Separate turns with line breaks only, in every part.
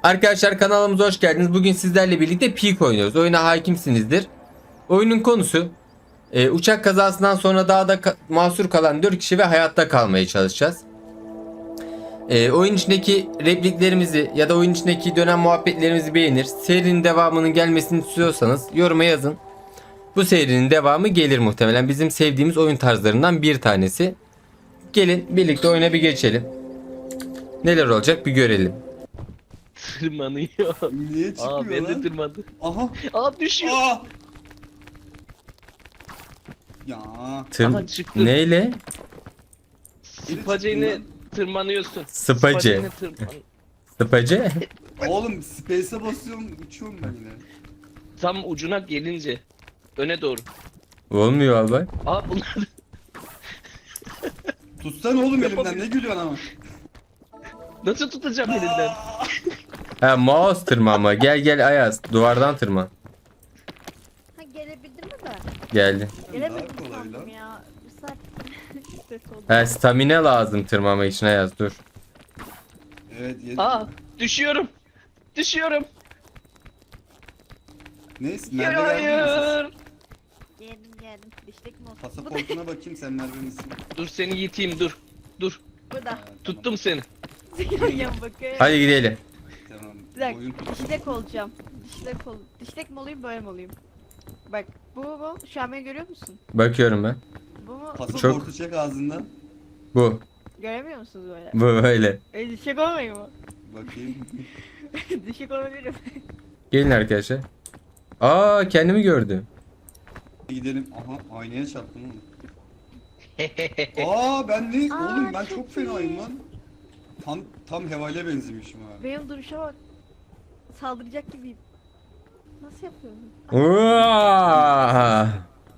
Arkadaşlar kanalımıza hoş geldiniz. Bugün sizlerle birlikte Peak oynuyoruz. Oyuna hakimsinizdir. Oyunun konusu uçak kazasından sonra dağda mahsur kalan 4 kişi ve hayatta kalmaya çalışacağız. Oyun içindeki repliklerimizi ya da oyun içindeki dönem muhabbetlerimizi beğenir. Serinin devamının gelmesini istiyorsanız yoruma yazın. Bu serinin devamı gelir muhtemelen. Bizim sevdiğimiz oyun tarzlarından bir tanesi. Gelin birlikte oyuna bir geçelim. Neler olacak bir görelim.
Tırmanıyor.
Niye çıkmıyor
Aa ben de
lan?
tırmandım.
Aha.
Aa düşüyor.
Aa. Ya.
Aha, çıktı.
Neyle?
Spacayla tırmanıyorsun.
Spacı.
Spacayla
Sıpacı.
Oğlum space'e basıyorum uçuyorum ben yine.
Tam ucuna gelince. Öne doğru.
Olmuyor albay.
Aa bunlar
Tutsana oğlum elimden ne gülüyorsun ama.
nasıl tutacağım elinden?
Ha mouse tırmanma. Gel Ayaz. Duvardan tırman.
Ha gelebildim mi ben?
Geldi.
Gelemedim
Daha kolay
sandım
lan.
ya. Bir saat ses oldu.
Ha stamina lazım tırmanmak için Ayaz dur.
Evet
Aa düşüyorum. Düşüyorum.
Neyse nerede geldin mi
Hayır.
Geldim. Dişlik mi olsun? Bu da
Pasaportuna bakayım sen nerede misin?
Dur seni yiteyim dur. Dur.
burada.
Tuttum seni.
Yan bakayım.
Hadi gidelim.
Tamam.
Bir dakika.
Oyun
Dişlek olacağım. Dişlek mi olayım böyle mi olayım? Bak bu. Şu an beni görüyor musun?
Bakıyorum ben.
Bu mu?
Pasaportu çek ağzından.
Bu.
Göremiyor musunuz böyle?
Bu böyle.
Dişlek olmayayım mı?
Bakayım.
Dişlek olabilirim.
Gelin arkadaşlar. Aa kendimi gördüm.
Gidelim. Aha aynaya çarptım oğlum. Aa ben ne?
Aa,
Oğlum ben
çok
çok fenayım
iyi.
lan. Tam hevale benzemişim ha.
Benim duruşa bak. Saldıracak gibiyim. Nasıl yapıyorum?
Uaa!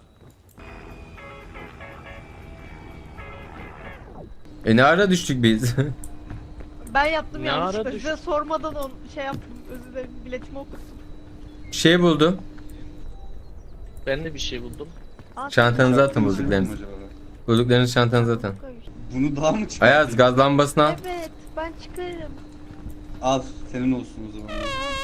Ne ara düştük biz?
Ben yaptım
Ne
yanlışlıkla.
ara
Size sormadan şey yaptım. Özür dilerim. Biletimi okuttum.
Şey buldum.
Ben de bir şey buldum.
Aa,
Çantanıza atın
Çarptınız mı
bulduklarınızı.
acaba?
Bulduklarınızı çantanıza atın.
koymuş.
Bunu daha mı çıkardın?
Ayaz gaz lambasını al.
Evet, ben çıkarım.
Al senin olsun o zaman.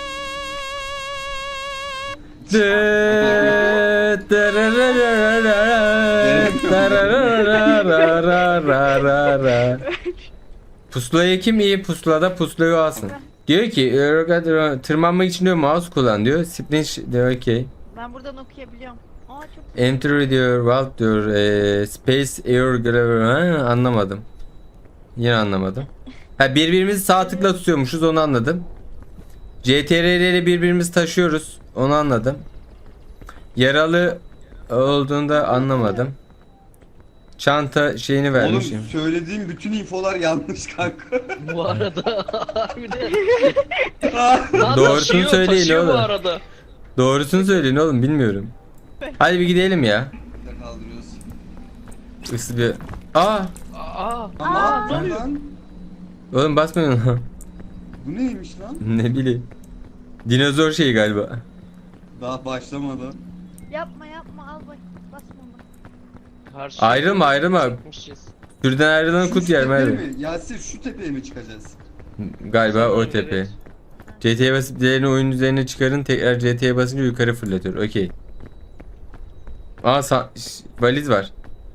Pusulaya kim iyi pusulada pusulayı alsın. Diyor ki tırmanmak için diyor mouse kullan diyor. Splinch diyor okey.
Ben buradan okuyabiliyorum. Aa çok
Enter diyor vault diyor space air anlamadım. Yine anlamadım. Ha birbirimizi sağ tıkla tutuyormuşuz onu anladım. CTRL ile birbirimizi taşıyoruz onu anladım. Yaralı olduğunda anlamadım. Çanta şeyini vermişim.
Oğlum söylediğim bütün infolar yanlış kanka.
Bu arada harbiden.
Doğrusunu söyleyin
taşıyor bu
oğlum.
arada.
Doğrusunu söyleyin oğlum bilmiyorum. Hadi bir gidelim ya.
Bir de kaldırıyoruz.
Isı bir... Aa!
Aa.
Aa,
ne oluyor?
lan.
Oğlum basmayın lan.
Bu neymiş lan?
Ne bileyim. Dinozor şeyi galiba.
Daha başlamadı.
yapma al bak basma onu.
Karşıya
Ayrılma.
çekmişiz.
Sürüden ayrılan
Şu
kut yer
tepeye
Merve.
mi? Yasir şu tepeye mi çıkacağız?
Galiba o
Sanırım
tepe.
evet.
CT'ye basıp diğerini oyun üzerine çıkarın. Tekrar CT'ye basınca yukarı fırlatıyor. Okey. Aa valiz var.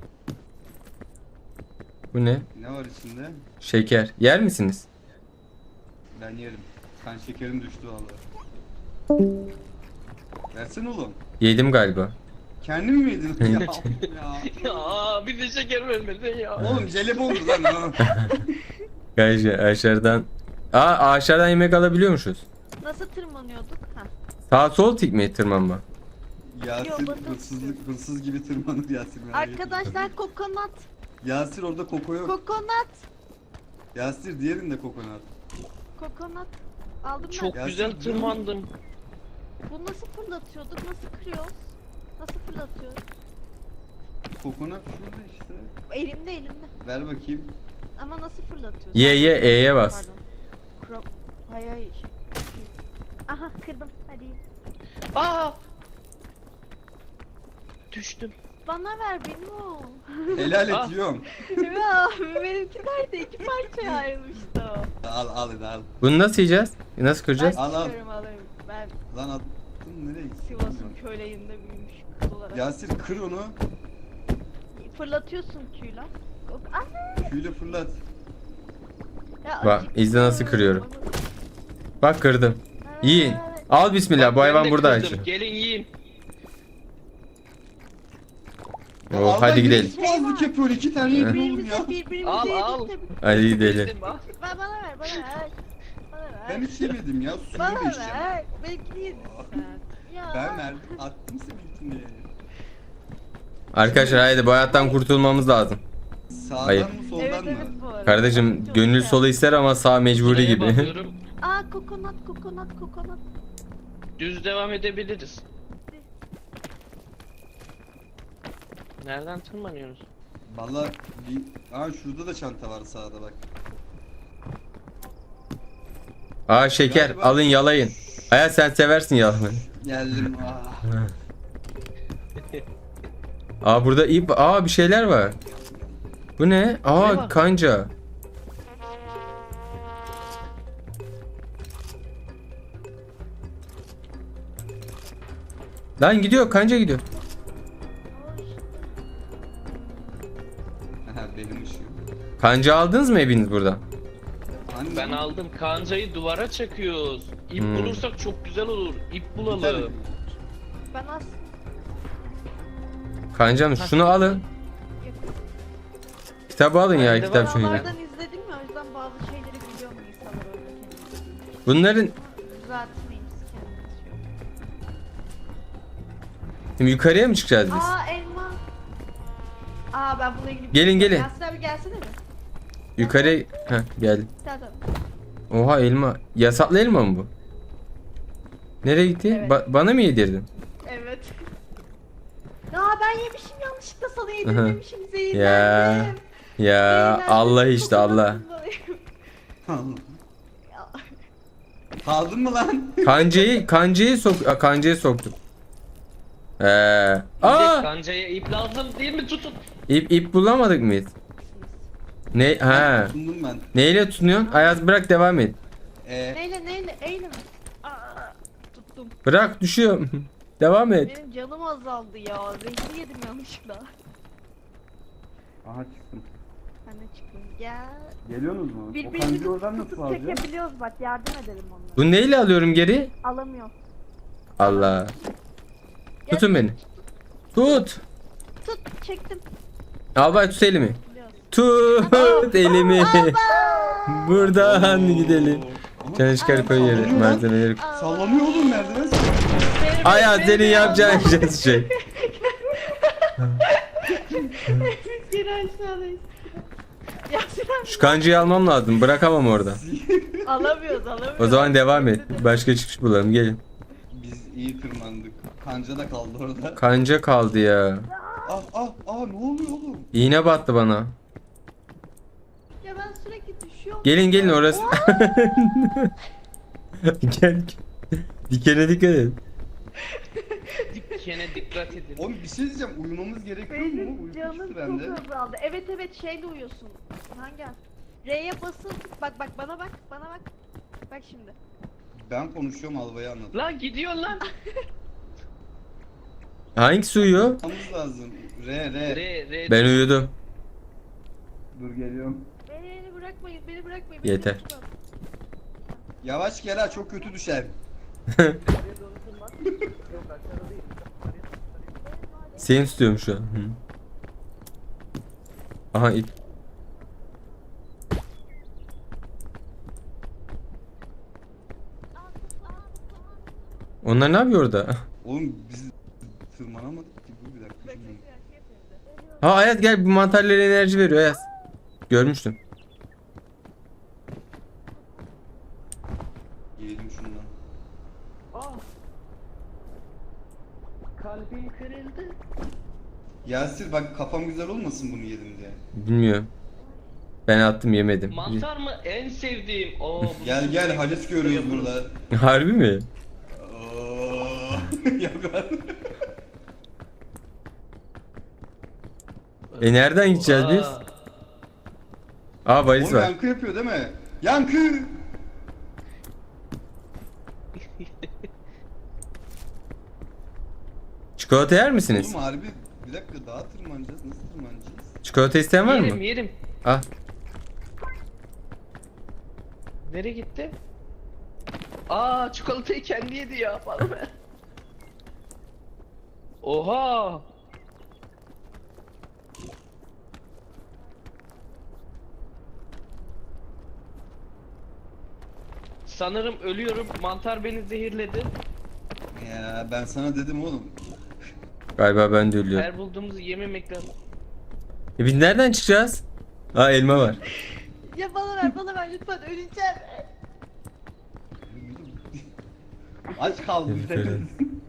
Bu ne?
Ne var içinde?
Şeker. Yer misiniz?
Ben yerim. Kan şekerim düştü vallahi. Versene oğlum.
Yedim galiba.
Kendi mi yedin? ya, ya.
Ya bir de şeker vermedin ya.
Oğlum jelibondu lan ha.
Galiba aşağıdan. Aşağıdan yemek alabiliyormuşuz.
Nasıl tırmanıyorduk? Ha.
Sağ sol tik mi tırmanma?
Yasir
Yok, bakın.
hırsız gibi tırmanır Yasir. merak etme.
Arkadaşlar kokonat.
Yasir orada koko yok.
Kokonat.
Yasir diğerinde kokonat.
Kokonat. Aldım
Çok
ben.
Ya
güzel
sen-
tırmandım.
Bu nasıl fırlatıyorduk? Nasıl kırıyoruz? Nasıl fırlatıyoruz?
Kokonat şurada işte.
Elimde.
Ver bakayım.
Ama nasıl fırlatıyoruz?
Ye E'ye bas.
Pardon. Hayır. Aha kırdım. Hadi.
Aa! Düştüm.
Bana ver benim o.
Helal
Ah.
et yiyorum.
Ya benimki nerede? İki parçaya ayrılmıştı o.
Al hadi al.
Bunu nasıl yiyeceğiz? Nasıl
Ben
kıracağız?
Al, al.
çıkarım alırım. Ben
Lan attın nereye gitti?
Sivas'ın köylerinde büyümüş kız olarak.
Yasir kır onu.
Fırlatıyorsun Q'yla. Ana!
Küyle fırlat.
Ya
Bak,
acıktım.
izle nasıl kırıyorum. Bak kırdım. Yiyin. Al bismillah.
Bak,
Bu
ben
hayvan
de
burada
kırdım.
açıyor.
Gelin yiyin.
Oh, hadi gidelim.
Boğazlık yapıyor 2 tane yiyin oğlum
Birbirimize
ya.
birbirimize
Al,
yedik
al.
de-
Hadi gidelim.
Yedim, al.
Bana ver bana ver. Bana ver.
Ben hiç yemedim ya. Suyu da
Bana
içeceğim.
ver. Belki yedin sen. Ya.
Ben verdim. Attım seninkini.
Arkadaşlar haydi bu hayattan kurtulmamız lazım.
Sağdan
Hayır.
mı soldan
Evet
mı?
evet bu arada.
Kardeşim
Çok
gönül
güzel.
solu ister ama sağ mecburi
Şuraya
gibi.
bakıyorum.
Aa kokonat kokonat kokonat.
Düz devam edebiliriz. Nereden tırmanıyoruz?
Valla bir... Aa şurada da çanta var sağda bak.
Aa şeker
Galiba-
alın yalayın. Hayat sen seversin yalamayı.
Geldim. Ah.
Aa burada ip bir şeyler var. Bu ne?
Ne
Aa
var?
kanca. Lan gidiyor kanca gidiyor.
Aha, benim ışığım.
Kanca aldınız mı hepiniz buradan?
Hani
Ben aldım. Kancayı duvara çakıyoruz. İp
Hmm.
bulursak çok güzel olur. İp
Bir tane-
bulalım.
Ben aslında
Kancam şunu alın. Kitabı alın ya
Bende var.
kitap şunu.
Dağlardan izledim ya o yüzden bazı şeyleri biliyorum insanlar öğretelim.
Bunların
Düzeltmeyiz kendimiz şu an.
şimdi yukarıya mı çıkacağız biz?
Aa elma. Aa ben buna ilgili
Gelin, gelin.
Yasin abi gelsene mi?
Yukarıya geldim.
Tamam.
Oha elma. Yasaklı elma mı bu? Nereye gitti?
Evet.
Bana mı yedirdin?
Evet. Aa ben yemişim yanlışlıkla sana
Aha.
yedirmemişim zehirlendim.
Ya. Ya
Zehirlendim,
Allah işte Allah.
kokudan dolayı. Ya,
Kaldın mı lan?
Kancayı soktum.
Bir de
Aa!
kancaya ip lazım değil mi? Tutun.
İp bulamadık mıyız? Ne ha?
Sundum ben.
Neyle tutunuyorsun? Ayaz bırak devam et.
neyle eyle mi? Aa, tuttum.
Bırak düşüyor. Devam et.
Benim canım azaldı ya. Zehri yedim yanlışlıkla.
Aha çıktım.
Ben de çıktım. Gel.
Geliyorsunuz mu?
Birbirimizi tutup çekebiliyoruz bak yardım edelim onlara.
Bu neyle alıyorum geri?
Alamıyor.
Allah. Tutun beni. Tut.
Tut çektim.
Albay tut elimi.
Biliyoruz.
Tut elimi. Buradan gidelim. Canı çıkar koy yere. Malzemeleri.
Sallanıyor oğlum merdiven.
Ayaz senin yapacağın şey.
Biz geri aşağıdayız. Yasin abi.
Şu kancayı almam lazım. Bırakamam orada.
Alamıyoruz alamıyoruz.
O zaman devam et. Başka çıkış bulalım. Gelin.
Biz iyi tırmandık. Kanca da kaldı orada.
Kanca kaldı ya.
Ne oluyor oğlum?
İğne battı bana.
Ya ben sürekli düşüyorum.
Gelin orası. Gel. Dikene dikkat et.
Dikene dikkat edin.
Oğlum bir şey diyeceğim. Uyumamız gerekiyor mu?
Benim
Uyku
canım
çıktı
çok
bende.
azaldı. Evet şeyle uyuyorsun. Hangi? R'ye basılı tut. Bak bana bak. Bak şimdi.
Ben konuşuyorum Albay'a anlat.
Lan gidiyor lan.
Hangisi uyuyor?
Anlamamız lazım. R.
R.
Ben uyudum.
Dur geliyorum.
Beni bırakmayın.
Yeter.
Beni tutun.
Yavaş gel ha çok kötü düşer.
Seni tutuyorum şu an. Hı. Aha ip. Onlar ne yapıyor orada?
Oğlum biz tırmanamadık ki. Dur bir dakika.
Bak,
Şimdi.
Ha Ayaz gel bu mantarlara enerji veriyor Ayaz. Görmüştüm.
Yiyelim şundan.
Kalbim kırıldı.
Yasir bak kafam güzel olmasın bunu yedim diye.
Bilmiyorum. Ben attım yemedim.
Mantar mı? En sevdiğim. Bunu
Gel Halis görüyoruz burada.
Harbi mi?
Oo. Yok lan.
Nereden gideceğiz biz? Valiz
Oğlum
var.
yankı yapıyor değil mi? Yankı!
Çikolata yer misiniz?
Oğlum harbi bir dakika daha tırmanacağız. Nasıl tırmanacağız?
Çikolata isteyen var
Yerim
mı?
yerim.
Al.
Nereye gitti? Çikolatayı kendi yedi ya. Bana ver. Oha. Sanırım ölüyorum. Mantar beni zehirledi.
Ya ben sana dedim oğlum.
Galiba ben de ölüyorum.
Her bulduğumuzu yememek lazım.
Biz nereden çıkacağız? Elma var.
Ya bana ver lütfen öleceğim.
Aç kaldım.
Öleceğim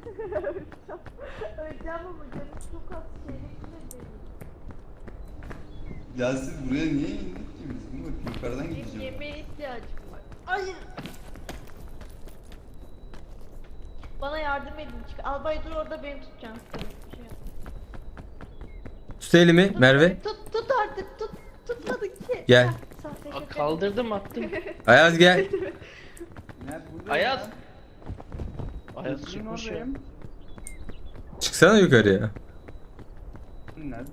ama canım çok az şeyle
Ya siz buraya niye indik ki biz? Dur bakayım yukarıdan
benim
gideceğim.
yemeğe ihtiyacım var. Hayır. Bana yardım edin. Albay dur orada beni tutacaksın. Şey yap.
Tut elimi
Tut
Merve.
beni, Tut artık tut. Tutmadık ki.
Gel.
Heh, sahte şaka.
Kaldırdım attım.
Ayaz gel.
Nerede burada
Ayaz.
ya?
Ayaz
Kızın
çıkmış ya.
oradayım.
Çıksana yukarıya.
Nerede?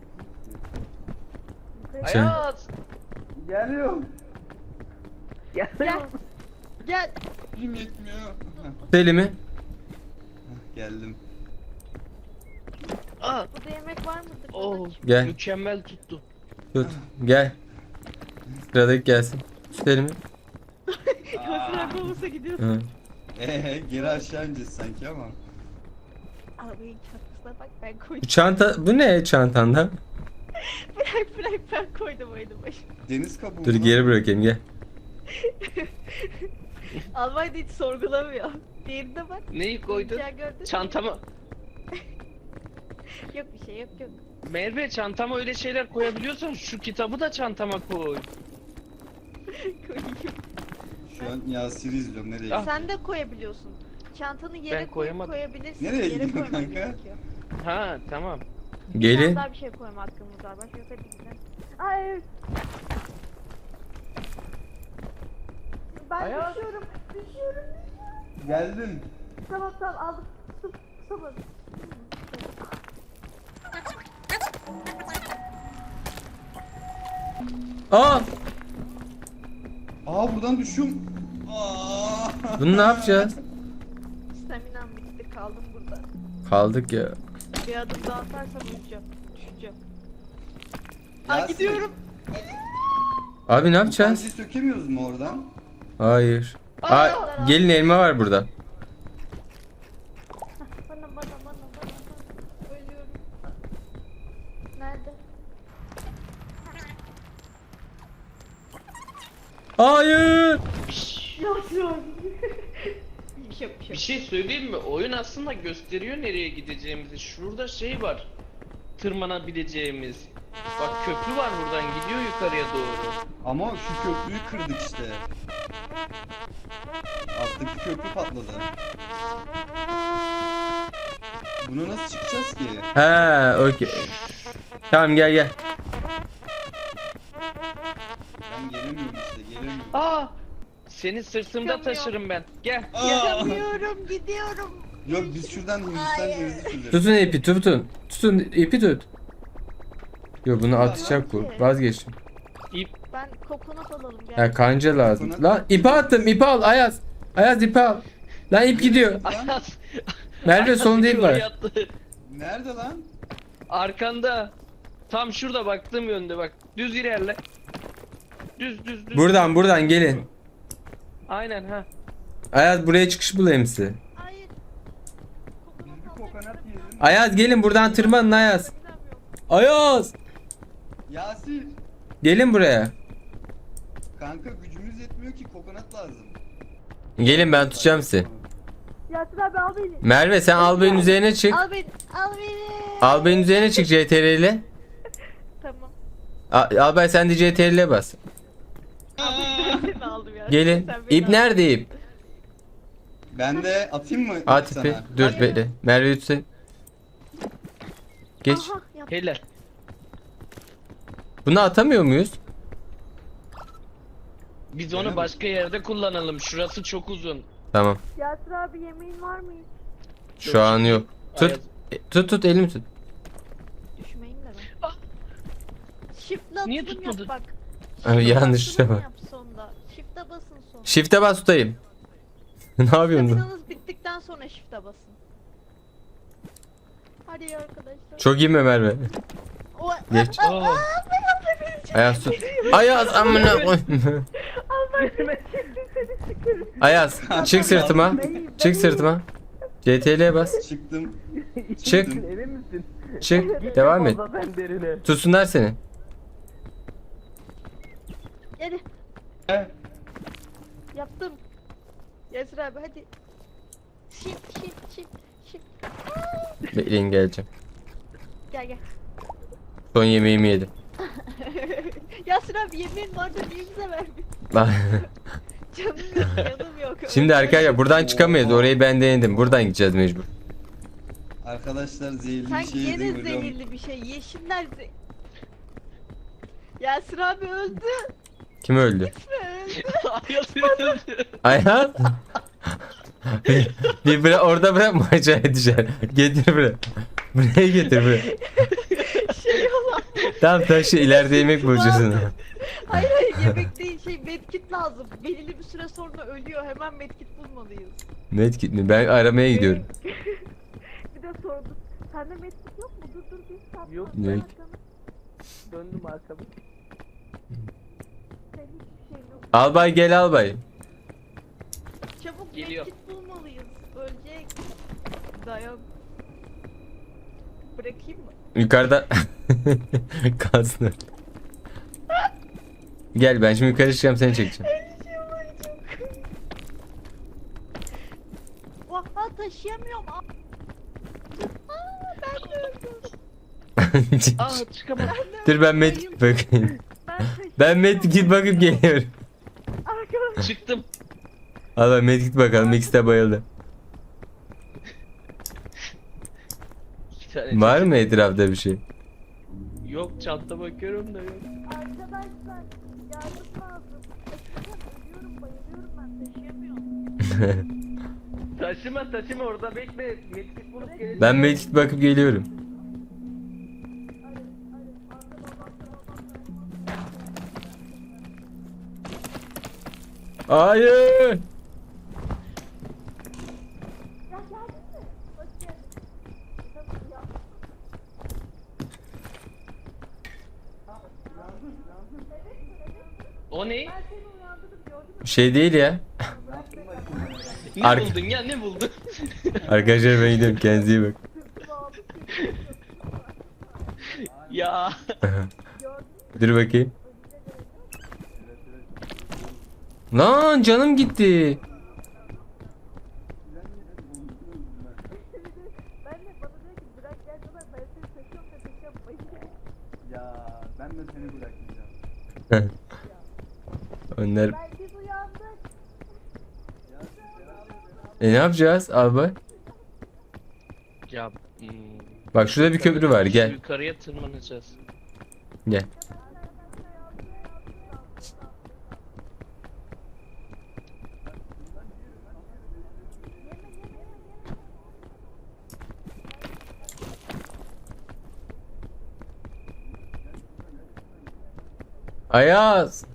Ayaz.
Geliyorum.
Gel. Gel.
Gücüm yetmiyor. Heh,
Tut elimi.
geldim.
Burada yemek var mıdır?
Oh,
Gel.
mükemmel tuttu.
Tut. Gel. Sıradaki gelsin. Tut elimi.
Kasırak olursa gidiyorsun.
Hı.
Geri aşağı ineceğiz sanki ama.
Abi çantasına bak ben
Bu
koydum.
çanta, bu ne çantanda?
Bırak ben koydum oyunu başına.
Deniz kabuğu.
Dur
lan.
geri bırakayım gel.
Albay da hiç sorgulamıyor. Diğerine bak.
Neyi koydun?
Ya gördün mü?
Çantama.
Yok bir şey yok.
Merve çantama öyle şeyler koyabiliyorsan şu kitabı da çantama koy.
Koyayım.
Şu an Yasir'i izliyorum nereye
Ah.
gidiyor?
Sen de koyabiliyorsun. Çantanı yere
Ben koyamadım.
koyabilirsin.
Nereye
Yere
gidiyor
koyman
kanka?
gerekiyor.
Ha tamam.
Gelin.
Daha bir şey koyma hakkımız var. Bak yok hadi gidelim. Ay. Ben
Ayaz.
düşüyorum.
Geldim.
Tamam aldım. Tutamadım.
Aa!
Buradan düşüyorum. Aa!
Bunu ne yapacağız?
Staminam bitti kaldım burada.
Kaldık ya.
Bir adım daha atarsam öleceğim. Düşeceğim.
Yasin,
Gidiyorum.
Abi ne
bu
yapacağız?
kancayı sökemiyoruz mu oradan?
Hayır.
Aa!
Gelin elma var burada.
Bana. Ölüyorum. Nerede?
Hayır.
Yok.
Bir şey söyleyeyim mi? Oyun aslında gösteriyor nereye gideceğimizi. Şurada şey var. Tırmanabileceğimiz. Bak köprü var buradan gidiyor yukarıya doğru.
Ama şu köprüyü kırdık işte. Alttaki köprü patladı. Buna nasıl çıkacağız ki?
Ha, okey. Tamam gel.
Ben gelemiyorum işte gelemiyorum.
Seni sırtımda
Çıkamıyorum.
taşırım ben. Gel.
Yapamıyorum. Gidiyorum.
Yok biz şuradan Hindistan cevizi süreriz.
Tutun ipi tutun. Tutun ipi tut. Yo bunu atacak bu. Vazgeçtim.
İp.
Ben kokonat alalım gel.
Ha kanca lazım. Lan ipi attım ipi al Ayaz. Ayaz ipi al. Lan ip gidiyor.
Ayaz.
Merve
Ayaz
sonunda ip
yukarı
var.
yattı.
Nerede lan?
Arkanda. Tam şurada baktığım yönde bak. Düz ilerle. Düz.
Buradan gelin.
Aynen ha.
Ayaz buraya çıkış bulayım size.
Hayır.
Biz bir kokonat yiyelim.
Ayaz gelin buradan tırmanın Ayaz.
Staminam yok.
Ayaz.
Yasir.
Gelin buraya.
Kanka gücümüz yetmiyor ki kokonat lazım.
Gelin ben tutacağım sizi.
Yasin abi al beni.
Merve sen albayın üzerine çık.
Al beni.
Albayın üzerine çık CTRL ile.
Tamam.
Albay sen de CTRL ile bas.
Seni aldım ya.
Gelin.
Sen beni
İp
al.
nerede ip?
Ben de atayım mı
At
sana?
ipi. Dur bekle. Merve tutsun. Geç.
Aha, yaptım.
Helal.
Bunu atamıyor muyuz?
Biz onu başka yerde kullanalım. Şurası çok uzun.
Tamam.
Yasir abi yemeğin var mı hiç?
Şu an yok. Tut. Tut elimi tut.
Düşmeyin de ben.
Ah!
Shift'le
Niye
atılım
tutmadı?
yap bak.
Abi
Shift'le
yanlış
atılım
şey var.
yap sonda. Shift'e basın sonda.
Shift'e bas tutayım. Ne yapıyorsun?
Staminanız bittikten sonra shift'e basın. Hadi arkadaşlar.
Çok iyi mi Merve?
O,
Geç.
Aa,
Ayaz tut. Ayaz amına koy. Ayaz çık sırtıma. Çık sırtıma. CTRL'ye bas.
Çıktım.
Çık.
Emin misin?
Çık. Devam et.
Fazla sen derine.
Tutsunlar seni.
Hadi
He.
yaptım. Yasir abi hadi. Shift.
Bekleyin geleceğim.
Gel gel.
Son yemeğimi yedim.
Yasir abi yemeğin vardı niye bize vermiyorsun? Canım yok.
Şimdi arkadaşlar buradan çıkamayız. Orayı ben denedim. Buradan gideceğiz mecbur.
Arkadaşlar zehirli
Sen
bir şey
yine
yedim hocam.
zehirli bir şey. Yeşiller Yasir abi öldü.
Kim öldü?
Öldü.
Ayaz öldü.
Ayaz. bir bırak, orada bırakma acayip edeceksin. Getir buraya. Buraya getir buraya.
Şey olan.
Tamam taşı ileride yemek bulacaksın.
Hayır yemek değil medkit lazım. Belirli bir süre sonra ölüyor. Hemen medkit bulmalıyız.
Medkit mi? Ben aramaya gidiyorum.
Bir de sordum. Sende medkit yok mu? Dur bir saat.
Yok.
Ne?
Döndüm arkamı.
Senin hiçbir şeyin yok.
Albay gel albay.
Çabuk
Geliyor.
medkit bulmalıyız. Ölecek. Dayan. Bırakayım mı?
Yukarıda kalsın. Gel ben şimdi yukarı çıkacağım seni çekeceğim.
Vah taşıyamıyorum. Ben de öldüm.
Aa çıkamadım.
Dur ben medkit bakayım.
Ben
Ben medkit bakıp geliyorum.
Arkadaşlar.
Çıktım.
Albay medkit bakalım ikisi de bayıldı.
İki tane
Var
çektim.
mı etrafta bir şey?
Yok çanta bakıyorum da yok.
Arkadaşlar yardım lazım. Ölüyorum bayılıyorum ben taşıyamıyorum.
Taşıma orada bekle. Medkit bulup geleceğim.
Ben medkit bakıp geliyorum. Hayır.
Ya geldin mi? Hoş geldin. Tabii ya.
O ne?
Ben seni uyandırdım gördün mü?
Şey değil ya.
Ne
Ark-
buldun ya ne buldun?
Arkadaşlar ben gidiyorum kendinize iyi bak.
Sırtımı aldı seni.
Ya.
Dur bakayım. Lan canım gitti.
Ben de bana diyor ki bırak gel kadar ben seni taşıyorum da taşıyorum bayılıyorum.
Ya ben de seni bırakmayacağım.
Onlar.
Ben biz uyandık.
Ne yapacağız albay?
Ya.
Bak şurada bir köprü var gel.
Yukarıya tırmanacağız.
Gel. Ayaz.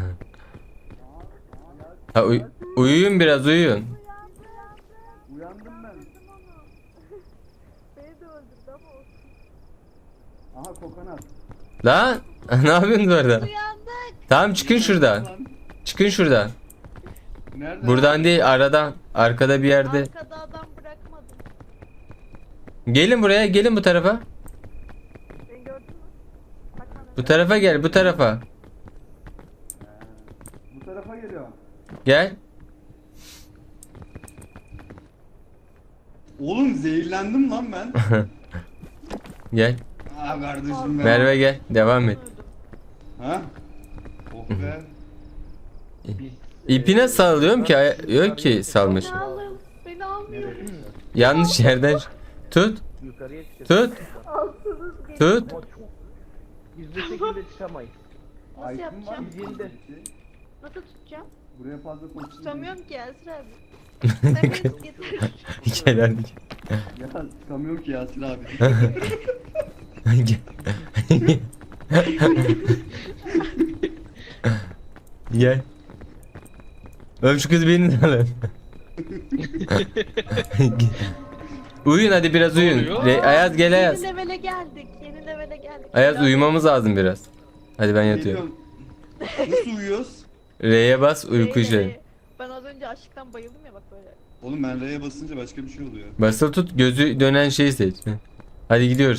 Ha, uyuyun biraz uyuyun.
Uyandım ben.
Beni de öldürdü ama olsun.
Aha kokonat.
Lan ne yapıyorsunuz orada?
Uyandık.
Tamam çıkın şuradan. Çıkın şuradan.
Nerede?
Buradan değil aradan. Arkada bir yerde.
Arkada adam bırakmadım.
Gelin buraya gelin bu tarafa.
Beni gördün mü? Bak bana.
Bu tarafa gel bu tarafa.
Bu tarafa geliyor.
Gel.
Oğlum zehirlendim lan ben.
Gel.
Aa kardeşim ben.
Merve gel. Devam et.
Öldüm.
Ha? Oh be.
İpine sarılıyorum ki yok ki salmış.
Beni alın. Beni almıyor.
Yanlış yerden tut.
Yukarıya çıkacağız.
Tut.
Alsınız gelin.
Tut.
Ama çok Gizli şekilde çıkamayız.
Nasıl
Aykın var
yapacağım?
mı?
Bildiğinde.
Peki.
Nasıl tutacağım?
Buraya fazla koştum.
Tutamıyorum ki Yasir abi. Sen beni tut getir.
Gel hadi
Ya tutamıyorum ki Yasir abi.
gel. Gel. Oğlum şu kız beni de alın. Uyuyun hadi biraz uyuyun.
oluyor?
Ayaz gel Ayaz.
Yeni levele geldik. Yeni levele geldik.
Ayaz uyumamız lazım biraz. Hadi ben yatıyorum.
Geliyorum. Nasıl uyuyoruz?
R'ye bas uyku
R'ye,
şey.
R'ye. Ben az önce açlıktan bayıldım ya bak böyle.
Oğlum ben R'ye basınca başka bir şey oluyor.
Basılı tut gözü dönen şeyi seç. Hadi gidiyoruz.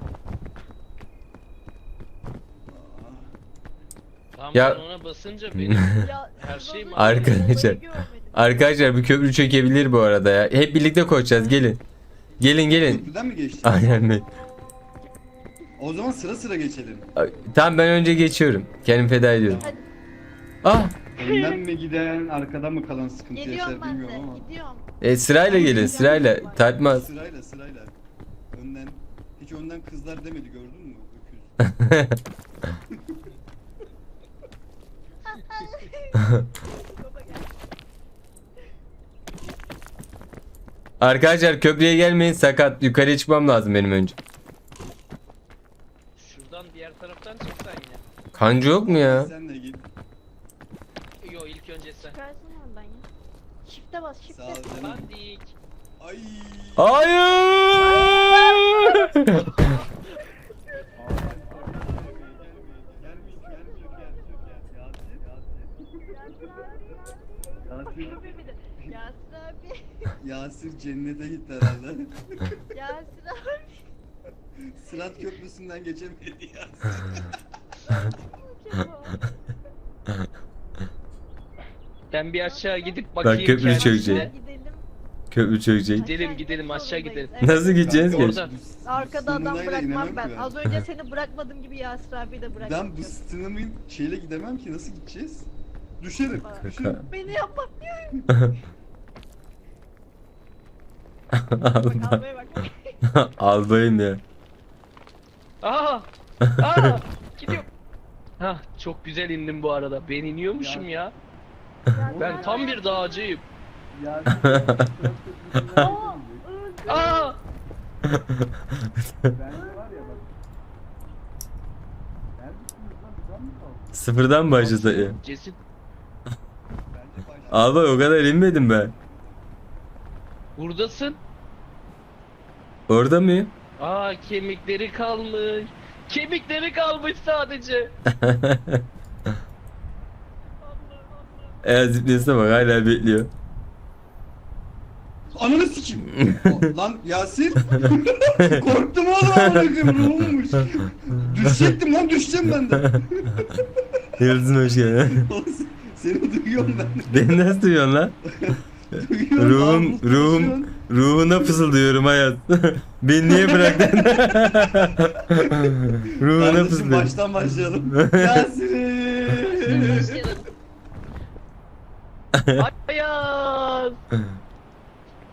Tamam
Ya-
ben ona basınca benim
Ya,
Her
siz
şey
az
mi?
önce
Arkadaşlar.
olayı görmediniz.
Arkadaşlar bir köprü çökebilir bu arada ya. Hep birlikte koşacağız gelin. Gelin.
Köprüden mi geçtik?
Aynen be.
O zaman sıra sıra geçelim.
Tamam ben önce geçiyorum. Kendimi feda ediyorum.
Hadi.
Ah!
Önden mi giden, arkadan mı kalan sıkıntı yaşar
Geliyorum ben de.
bilmiyorum ama.
Gidiyorum.
Sırayla gelin sırayla. Tartmaz.
Sırayla sırayla. Önden. Hiç önden kızlar demedi gördün mü? Öküz.
Baba gel.
Arkadaşlar köprüye gelmeyin sakat. Yukarıya çıkmam lazım benim önce.
şuradan diğer taraftan çıksan ya.
Kancı yok mu ya?
Sen de git.
Yo ilk önce sen.
Çıkarsın oradan ya. Shift'e bas,
Sağ
shift'e.
ol canım.
Bandik.
Ay.
Hayır!
Yasir abi.
Yasir cennete gitti herhalde.
Yasir abi.
Sırat köprüsünden geçemedi Yasir.
Ben bir aşağı gidip bakayım
köprü
kendisine.
çökecek.
Gidelim.
Köprü çökecek.
Gidelim, gidelim, aşağı gidelim.
Nasıl gideceğiz ki?
Orada.
Arkada adam
Sınırlayla
bırakmam
inemem
ben.
ki
Az önce seni bırakmadığım gibi Yasir abi de bırakmam.
Ben bu sınırımı şeyle gidemem ki nasıl gideceğiz? Düşerim. Düşerim.
Beni yapma diyorum. Bak
Alba.
albaya bak.
Albayım ya.
Aa! Aa! Gidiyorum. Hah çok güzel indim bu arada. Ben iniyormuşum ya. Ben tam bir dağcıyım.
Yasir sırat köprüsünden
Aa,
geçemeyecek.
öldü.
Aa!
Bence var ya bak. Neredesiniz lan? Buradan mı kaldı?
Sıfırdan başlasak ya.
Cesit.
Bence başladı.
Albay o kadar inmedim ben.
Buradasın.
Orada mıyım?
Aa kemikleri kalmış. Kemikleri kalmış sadece.
Zıplayasına bak hala bekliyor.
Ananı sikeyim. Lan Yasir. Korktum oğlum amına koyayım ruhummuş. Düşecektim lan düşeceğim ben de.
Yıldızın hoş geldin.
Seni duyuyorum ben.
Beni nasıl duyuyorsun lan?
Duyuyorum.
Ruhuna fısıldıyorum hayat. Beni niye bıraktın? Ruhuna
Kardeşim
fısıldıyorum.
baştan başlayalım. Yasir.
Ayaz.